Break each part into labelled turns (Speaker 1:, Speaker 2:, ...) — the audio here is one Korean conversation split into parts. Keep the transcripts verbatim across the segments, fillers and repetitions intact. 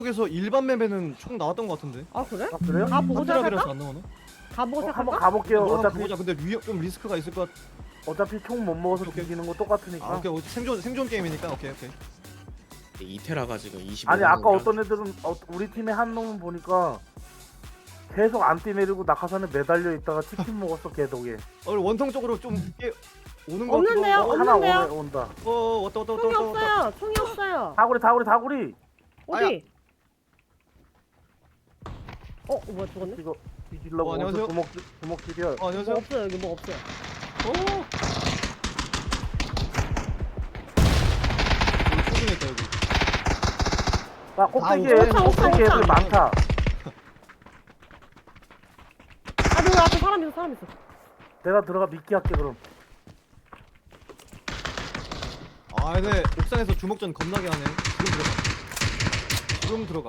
Speaker 1: 쪽에서 일반 맵에는 총 나왔던 것 같은데.
Speaker 2: 아 그래?
Speaker 3: 아 그래요?
Speaker 2: 가 보고
Speaker 1: 탑이라서
Speaker 2: 시작할까?
Speaker 1: 안 나오나?
Speaker 2: 가 보고
Speaker 3: 어, 한번
Speaker 2: 시작할까?
Speaker 3: 가볼게요.
Speaker 1: 뭐 한번
Speaker 3: 어차피
Speaker 1: 보자. 근데 위, 좀 리스크가 있을 것 같.
Speaker 3: 어차피 총 못 먹어서
Speaker 1: 오케이, 오케이.
Speaker 3: 죽이는 거 똑같으니까.
Speaker 1: 아, 오케이. 생존 생존 게임이니까. 오케이, 오케이.
Speaker 4: 이테라가 지금 이십오.
Speaker 3: 아니 아까 어떤 애들은 어, 우리 팀에 한 놈은 보니까 계속 안 뛰내리고 낙하산에 매달려 있다가 치킨 먹었어 개독에.
Speaker 1: 어, 원통 쪽으로 좀 이게 오는 거
Speaker 2: 없는데요?
Speaker 1: 같기도 하고.
Speaker 3: 하나
Speaker 2: 없는데요?
Speaker 3: 오네 온다.
Speaker 1: 어, 왔다 왔다 왔다
Speaker 2: 총이
Speaker 1: 왔다. 왔다.
Speaker 2: 없어요. 총이 없어요.
Speaker 3: 다구리 다구리 다구리.
Speaker 2: 어디? 어, 어 뭐야 죽었네?
Speaker 3: 이거 뒤질라고
Speaker 1: 어,
Speaker 3: 어디서
Speaker 1: 안녕하세요.
Speaker 3: 주먹 주먹질이야.
Speaker 1: 어,
Speaker 2: 뭐
Speaker 1: 안녕하세요.
Speaker 2: 없어요. 여기 뭐 없어요.
Speaker 1: 오. 여기 초딩에 있다 여기.
Speaker 3: 아 꼭대기에
Speaker 1: 옥상,
Speaker 2: 옥상,
Speaker 3: 꼭대기
Speaker 2: 옥상.
Speaker 3: 애들 많다.
Speaker 2: 아, 너 앞에 사람 있어. 사람 있어.
Speaker 3: 내가 들어가 미끼 할게 그럼.
Speaker 1: 아, 근데 옥상에서 주먹전 겁나게 하네. 지금 들어가. 지금 들어가.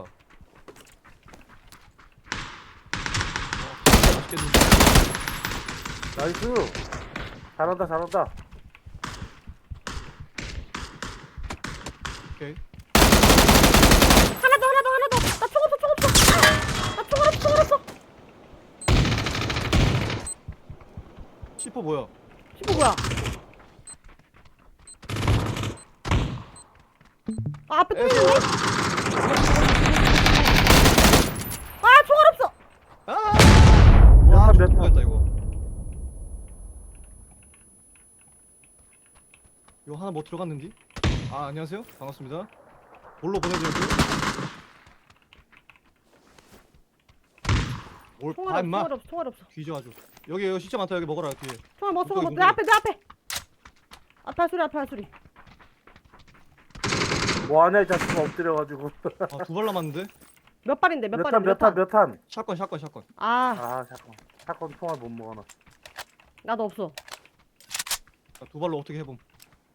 Speaker 1: 와, 맛있겠는데.
Speaker 3: 나이스. 잘한다 잘한다.
Speaker 1: 오케이.
Speaker 2: 하나 더, 하나 더, 하나 더. 나 총 없어, 총 없어. 아, 나 총 없어, 총 없어.
Speaker 1: 시퍼 뭐야?
Speaker 2: 시포 뭐야? 아, 앞에 또
Speaker 1: 에이,
Speaker 2: 있는데? 아, 총알 없어.
Speaker 1: 아!
Speaker 3: 몇
Speaker 1: 와,
Speaker 3: 탄, 몇 탄?
Speaker 1: 죽겠다 이거. 이거 하나 뭐 들어갔는지? 아, 안녕하세요. 반갑습니다. 뭘로 보내드릴게요? 뭘
Speaker 2: 총알
Speaker 1: 봐,
Speaker 2: 없어,
Speaker 1: 임마.
Speaker 2: 총알 없어, 총알 없어.
Speaker 1: 뒤져 아주. 여기 여기 진짜 많다. 여기 먹어라 뒤에.
Speaker 2: 총알 먹어, 총알 먹어.
Speaker 1: 이거,
Speaker 2: 내
Speaker 1: 이거.
Speaker 2: 앞에, 내 앞에. 앞에 할 소리, 앞에 할 소리.
Speaker 3: 뭐하냐 이 자식 엎드려가지고.
Speaker 1: 아, 두 발 남았는데?
Speaker 2: 몇 발인데, 몇
Speaker 3: 몇
Speaker 2: 발인데,
Speaker 3: 탄 몇 탄 몇 탄.
Speaker 1: 샷건 샷건 샷건.
Speaker 2: 아,
Speaker 3: 아 잠깐. 사건 총알 못 먹어놔.
Speaker 2: 나도 없어.
Speaker 1: 자, 두 발로 어떻게 해봄.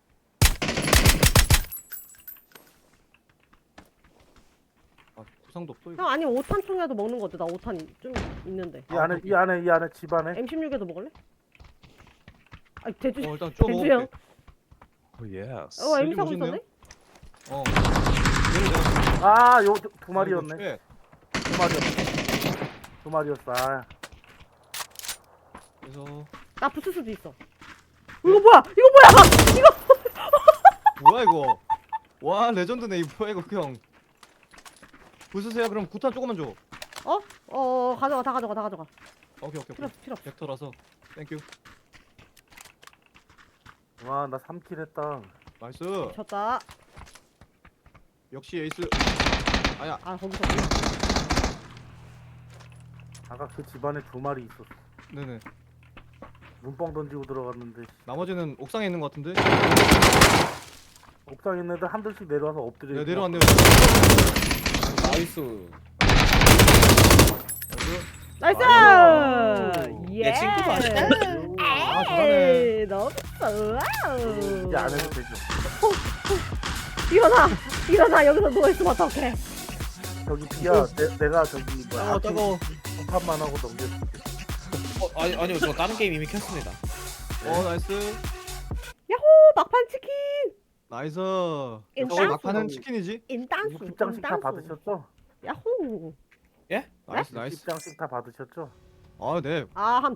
Speaker 1: 아, 구상도 없어 이거.
Speaker 2: 형 아니 오 탄 총이라도 먹는 거 어때? 나 오 탄 좀 있는데.
Speaker 3: 이 안에 이 안에 이 안에 집 안에.
Speaker 2: 엠 십육에도 먹을래? 아 대주
Speaker 1: 어, 일단 쭉
Speaker 2: 대주 형.
Speaker 1: 먹어볼게.
Speaker 4: 오 예스.
Speaker 2: 어 에미
Speaker 1: 여기
Speaker 2: 사고
Speaker 1: 멋있네요.
Speaker 2: 있었네?
Speaker 1: 어. 얘를 내가
Speaker 3: 아, 요 두 마리였네.
Speaker 1: 네.
Speaker 3: 두 마리였어. 두 마리였어. 아,
Speaker 1: 그래서
Speaker 2: 나 붙을 수도 있어. 이거 뭐야? 이거 뭐야? 이거
Speaker 1: 뭐야 이거? 와, 레전드네. 이 뭐야 이거 형. 부수세요. 그럼 구탄 조금만 줘.
Speaker 2: 어? 어, 어 가져가 다 가져가 다 가져가.
Speaker 1: 오케이 오케이
Speaker 2: 필요
Speaker 1: 오케이.
Speaker 2: 없어 필요 없어.
Speaker 1: 벡터라서. 땡큐.
Speaker 3: 와, 나 삼 킬 했다.
Speaker 1: 나이스.
Speaker 2: 졌다.
Speaker 1: 역시 에이스. 아야.
Speaker 2: 아 거기서.
Speaker 3: 아까 그 집안에 두 마리 있었어.
Speaker 1: 네네.
Speaker 3: 눈뻥 던지고 들어갔는데
Speaker 1: 나머지는 옥상에 있는 것 같은데.
Speaker 3: 옥상에 있는 애들 한둘씩 내려와서 엎드려.
Speaker 1: 네,
Speaker 3: 있고.
Speaker 1: 내려왔네요.
Speaker 4: 나이스.
Speaker 1: 나이스.
Speaker 2: 나이스!
Speaker 1: 아이고.
Speaker 2: 예.
Speaker 4: 내 친구도 아니야?
Speaker 1: 아, 잘하네.
Speaker 2: 에이, 너무 좋아.
Speaker 3: 이제 안 해도 되죠.
Speaker 2: 일어나! 일어나! 여기서 누워있으면 어떡해.
Speaker 3: 저기 비야, 내, 내가 저기 뭐야
Speaker 1: 아, 따가워.
Speaker 3: 한판만 하고 넘겨줄게.
Speaker 4: 어, 아니 아니요 저 다른 게임 이미 켰습니다.
Speaker 1: 어, 나이스.
Speaker 2: 야호! 막판 치킨!
Speaker 1: 나이스.
Speaker 2: 일단
Speaker 1: 역시 막판은
Speaker 3: 저기-
Speaker 1: 치킨이지.
Speaker 2: 인당수!
Speaker 3: 입장식 다
Speaker 2: 인당수.
Speaker 3: 받으셨죠?
Speaker 2: 야호!
Speaker 4: 예?
Speaker 1: 나이스 나이스.
Speaker 3: 입장식 다 받으셨죠?
Speaker 1: 아, 네.
Speaker 2: 아, 한